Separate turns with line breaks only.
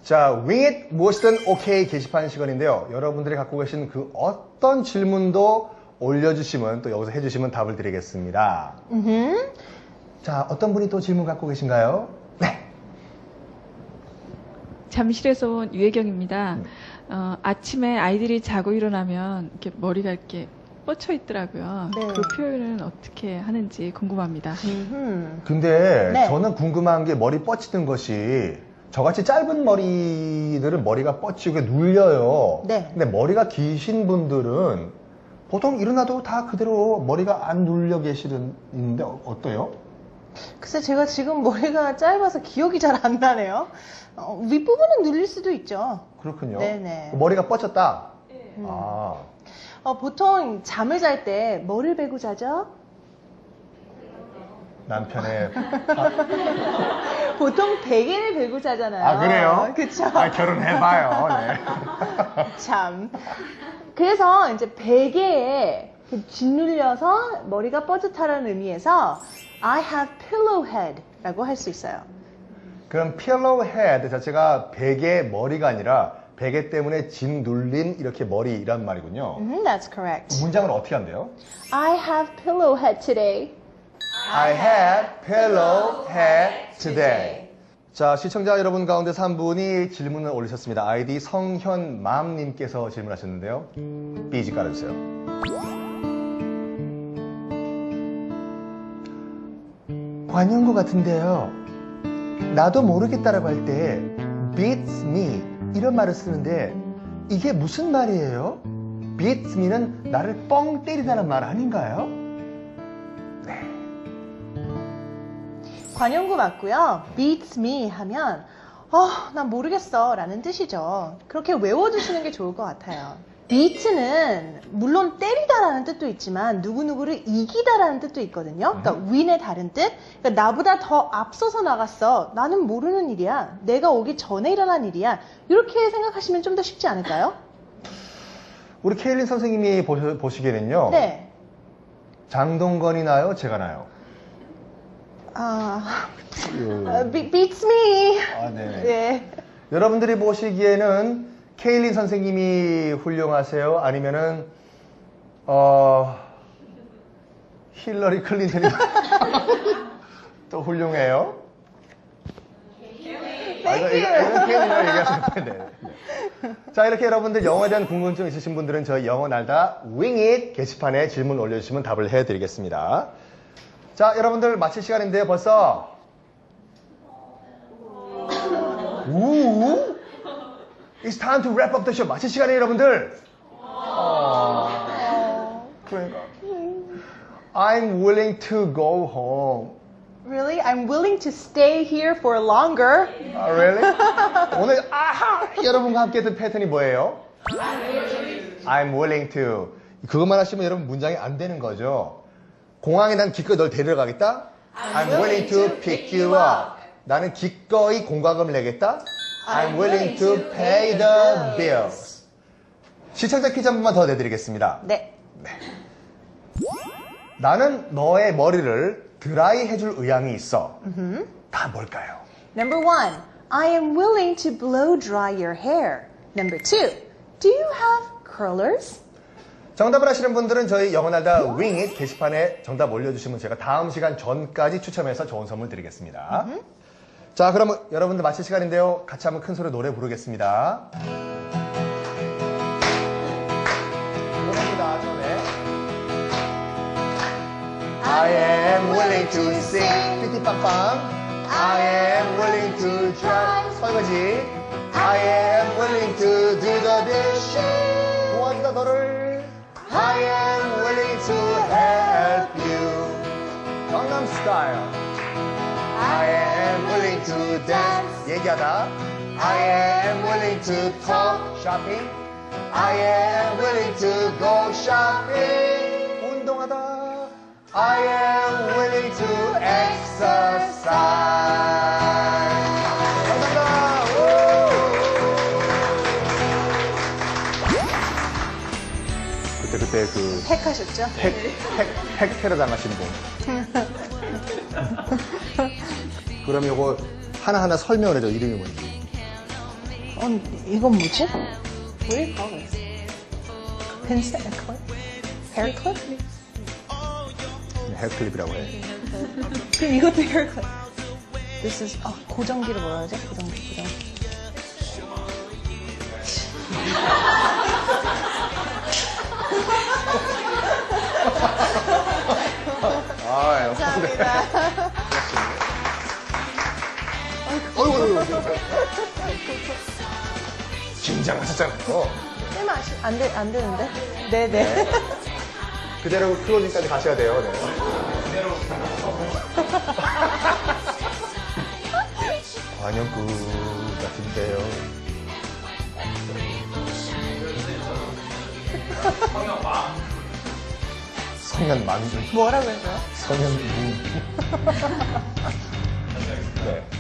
자, 윙잇 무엇이든 오케이 게시판 시간인데요. 여러분들이 갖고 계신 그 어떤 질문도 올려주시면 또 여기서 해주시면 답을 드리겠습니다. 자, 어떤 분이 또 질문 갖고 계신가요? 네.
잠실에서 온 유혜경입니다. 아침에 아이들이 자고 일어나면 이렇게 머리가 이렇게 뻗쳐 있더라고요.
네.
그 표현은 어떻게 하는지 궁금합니다.
근데
네.
저는 궁금한 게 머리 뻗치는 것이 저같이 짧은 머리들은 머리가 뻗치고 눌려요.
네.
근데 머리가 기신 분들은 보통 일어나도 다 그대로 머리가 안 눌려 계시는데 어때요?
글쎄 제가 지금 머리가 짧아서 기억이 잘 안 나네요. 윗부분은 눌릴 수도 있죠.
그렇군요.
네네.
머리가 뻗쳤다?
네.
아,
보통 잠을 잘 때 뭐를 베고 자죠?
남편의
보통 베개를 베고 자잖아요.
아, 그래요?
그쵸?
아, 결혼해봐요. 네.
참. 그래서 이제 베개에 짓눌려서 머리가 뻗듯하라는 의미에서 I have pillow head 라고 할 수 있어요.
그럼 pillow head 자체가 베개 머리가 아니라 베개 때문에 짓 눌린 이렇게 머리란 말이군요.
That's correct.
문장을 어떻게 한대요?
I have pillow head today.
I had pillow head today. 자, 시청자 여러분 가운데서 한 분이 질문을 올리셨습니다. 아이디 성현맘님께서 질문하셨는데요. 삐지 깔아주세요. 관용구 같은데요. 나도 모르겠다라고 할 때 beats me 이런 말을 쓰는데 이게 무슨 말이에요? beats me는 나를 뻥 때리다는 말 아닌가요?
관용구 맞고요. beats me 하면 난 모르겠어 라는 뜻이죠. 그렇게 외워두시는 게 좋을 것 같아요. beat는 물론 때리다라는 뜻도 있지만 누구누구를 이기다라는 뜻도 있거든요. 그러니까 win의 다른 뜻. 그러니까 나보다 더 앞서서 나갔어. 나는 모르는 일이야. 내가 오기 전에 일어난 일이야. 이렇게 생각하시면 좀 더 쉽지 않을까요?
우리 케일린 선생님이 보시기에는요.
네.
장동건이 나요? 제가 나요?
beats me.
아, 네.
네.
여러분들이 보시기에는 케일린 선생님이 훌륭하세요? 아니면은 힐러리 클린턴이 또 훌륭해요? 이건 케일린이라고 얘기하시는 건데. 네. 자, 이렇게 여러분들 영어에 대한 궁금증 있으신 분들은 저희 영어 날다 윙잇 게시판에 질문 올려주시면 답을 해드리겠습니다. 자, 여러분들 마칠 시간인데요, 벌써. It's time to wrap up the show. 마칠 시간이에요, 여러분들. 그러니까. I'm willing to go home.
Really? I'm willing to stay here for longer.
Really? 오늘 여러분과 함께 했던 패턴이 뭐예요? I'm willing to. 그것만 하시면 여러분 문장이 안 되는 거죠. 공항에 난 기꺼이 널 데리러 가겠다. I'm willing to pick you up. 나는 기꺼이 공과금을 내겠다. I'm willing to pay the bills. 시청자 퀴즈 한 번만 더 내드리겠습니다.
네.
나는 너의 머리를 드라이 해줄 의향이 있어. 다 뭘까요?
Number 1, I am willing to blow dry your hair. Number 2, do you have curlers?
정답을 아시는 분들은 저희 영어날다 윙잇 게시판에 정답 올려주시면 제가 다음 시간 전까지 추첨해서 좋은 선물 드리겠습니다. 자, 그럼 여러분들 마칠 시간인데요. 같이 한번 큰 소리로 노래 부르겠습니다. 노래입니다, 노래. I am willing to sing. 삐띠빵빵. I am willing to try. 설거지. I am willing to do the dishes. 도와주다 너를. I am willing to help you. 경남 스타일. I am willing to dance. 얘기하다. I am willing to talk. shopping. I am willing to go shopping. 운동하다. I am willing to exercise. 감사합니다. 그때 그
택하셨죠?
핵 테러 당하신 분. 그럼 요거 하나하나 설명을 해줘. 이름이 뭔지.
이건 뭐지? What do you call this? 펜슬? 헤어 클립?
헤어클립이라고 해.
그럼 이것도 헤어 클립. This is 고정기를 뭐라 하지? 고정기. 감사합니다.
어이구. 긴장하셨잖아요.
안 되는데? 네네.
그대로 클로징까지 가셔야 돼요. 네. 관용구 같은데요. 성년만두.
뭐라고 했어요?
성년무. 네.